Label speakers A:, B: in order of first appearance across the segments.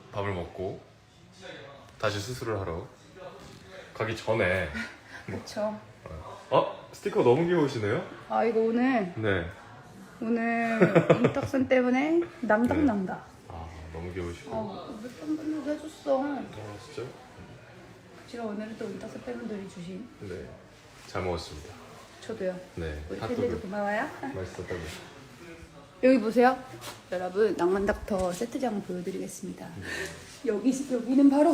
A: 밥을 먹고 다시 수술을 하러 가기 전에
B: 그쵸.
A: 스티커 너무 귀여우시네요?
B: 아 이거 오늘 인덕션 때문에 낭당낭다.
A: 너무 귀여우시고.
B: 몇 번도 해줬어.
A: 진짜요?
B: 제가 오늘은 또 인덕션 팬분들이 주신.
A: 네, 잘 먹었습니다.
B: 저도요.
A: 네,
B: 우리 팬들도 고마워요.
A: 맛있었다고.
B: 여기 보세요. 여러분 낭만닥터 세트장을 보여드리겠습니다. 여기는 바로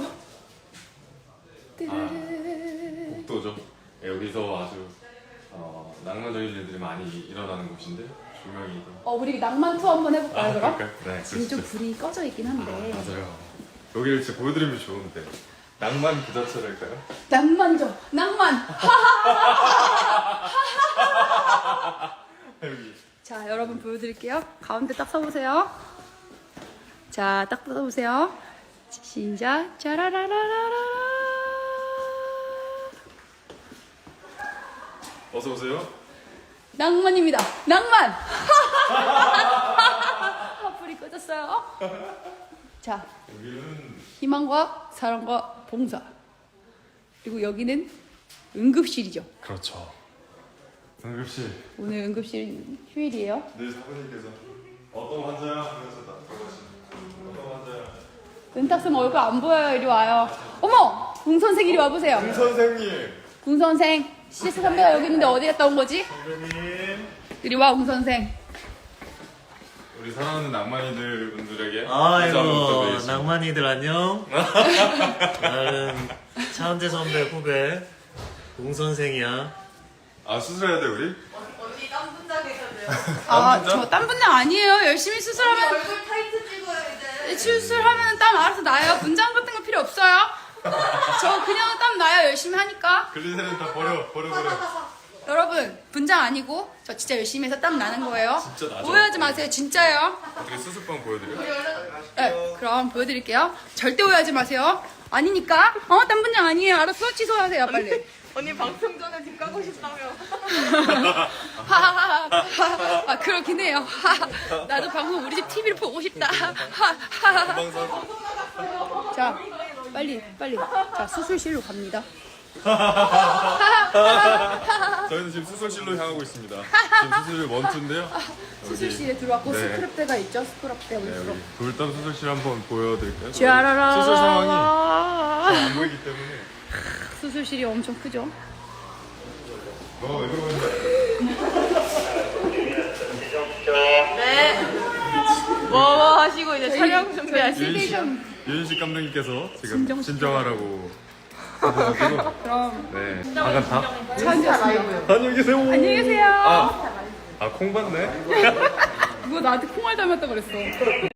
A: 복도죠. 여기서 아주 낭만적인 일들이 많이 일어나는 곳인데 조명이
B: 우리 낭만 투어 한번 해볼까요 그럼?
A: 네,
B: 지금 좀 불이 꺼져 있긴 한데.
A: 맞아요. 여기를 진짜 보여드리면 좋은데 낭만 그 자체랄까요?
B: 낭만죠. 낭만.
A: 여기.
B: 자 여러분 보여드릴게요. 가운데 딱 서보세요. 자 딱 서보세요. 시작. 짜라라라라라.
A: 어서 오세요.
B: 낭만입니다. 낭만. 불이 꺼졌어요. 자
A: 여기는
B: 희망과 사랑과 봉사. 그리고 여기는 응급실이죠.
A: 그렇죠. 응급실.
B: 오늘 응급실 휴일이에요.
A: 늘 사부님께서 어떤 환자야 하면서 나 어떤 환자야.
B: 은탁쌤 얼굴 안 보여요. 이리 와요. 어머! 궁 선생 이리 와보세요.
A: 임 선생님.
B: 궁 선생. CS 선배가 여기 있는데 어디 갔다 온 거지?
A: 선생님.
B: 이리 와, 궁 선생.
A: 우리 사랑하는 낭만이들 분들에게 인사
C: 아이고
A: 한번 부탁드리겠습니다.
C: 낭만이들 안녕. 나는 차은재 선배 후배 웅선생이야.
A: 수술해야 돼 우리?
D: 언니 땀 분장해서요.
B: 저 땀 분장 아니에요. 열심히 수술하면,
D: 얼굴 타이트 찍어요 이제.
B: 수술하면 땀 알아서 나요. 분장 같은 거 필요 없어요. 저 그냥 땀 나요. 열심히 하니까.
A: 글리세린 다 버려.
B: 여러분, 분장 아니고, 저 진짜 열심히 해서 땀 나는 거예요.
A: 진짜 나죠?
B: 오해하지 마세요. 진짜예요.
A: 어떻게 수술방 보여드려?
B: 네, 그럼 보여드릴게요. 절대 오해하지 마세요. 아니니까. 땀 분장 아니에요. 알았어? 취소하세요, 빨리.
D: 언니 방송 전에 집 가고 싶다며.
B: 하하하. 그렇긴 해요. 나도 방송 우리 집 TV를 보고 싶다. 자, 빨리. 자, 수술실로 갑니다.
A: 저희는 지금 수술실로 향하고 있습니다. 지금 수술실 원투인데요.
B: 수술실에 들어왔고
A: 네.
B: 스크럽대가 있죠. 스크럽대
A: 네,
B: 올수록.
A: 여기 돌담 수술실 한번 보여드릴까요?
B: 쥐아라라.
A: 수술 상황이 안 보이기 때문에.
B: 수술실이 엄청 크죠.
A: 왜 그러는데?
D: 네. 뭐 하시고 이제 촬영 준비하시.
A: 유인식 감독님께서 지금 진정하라고 하셔가지고.
B: 그럼
A: 네. 반갑다.
B: 차은지였습니다.
A: 안녕히 계세요.
B: 안녕히 계세요.
A: 콩 받네.
B: 누가 나한테 콩알 닮았다 그랬어.